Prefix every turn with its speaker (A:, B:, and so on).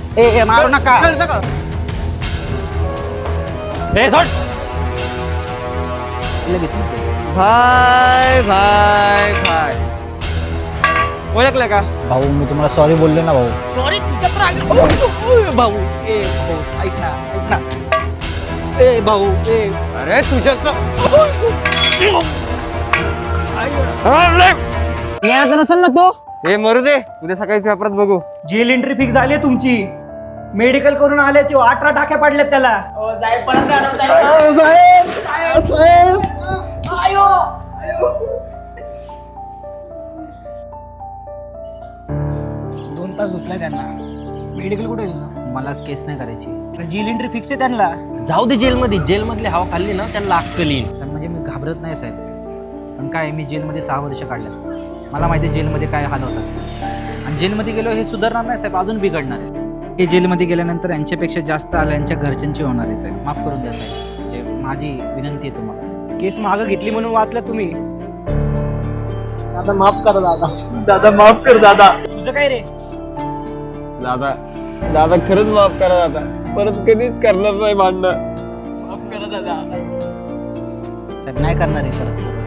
A: ए मारू नका. लगेच भाई भाई भाई ओळखलं का
B: भाऊ मी तुम्हाला सॉरी बोललो ना भाऊ.
C: सॉरी तुझ्या तर आली.
A: भाऊ ए भाऊ ऐक ना ए भाऊ ए
C: अरे तुझ्या
A: नसेल ना तो.
C: हे मरू दे, उद्या सकाळी पेपरात बघू.
D: जेल एंट्री फिक्स झाली आहे तुमची. मेडिकल करून आले ते 18 टाक्या पाडल्यात त्याला. दोन तास होतलाय त्यांना. मेडिकल कुठे आहे तुझं?
A: मला केस नाही करायची.
D: जेल एंट्री फिक्स आहे त्यांना.
E: जाऊ दे जेलमध्ये, जेलमधली हवा खाल्ली ना त्यांना अक्कल येईल.
A: साहेब म्हणजे मी घाबरत नाही साहेब, पण काय मी जेलमध्ये 6 वर्ष काढल्यात. मला माहिती आहे जेलमध्ये काय हाल होतात, आणि जेलमध्ये गेलो हे सुधारणार नाही साहेब, अजून बिघडणार आहे. हे जेलमध्ये गेल्यानंतर यांच्यापेक्षा जास्त आलं यांच्या घरच्यांची होणार आहे साहेब. माफ करून द्या साहेब, म्हणजे माझी विनंती आहे तुम्हाला.
D: केस मागं घेतली म्हणून वाचला तुम्ही.
B: दादा माफ कर दादा. दादा माफ कर दादा.
D: तुझं काय रे?
C: दादा दादा खरंच माफ करा दादा, परत कधीच करणार नाही भांडणं.
A: साहेब नाही करणार आहे परत.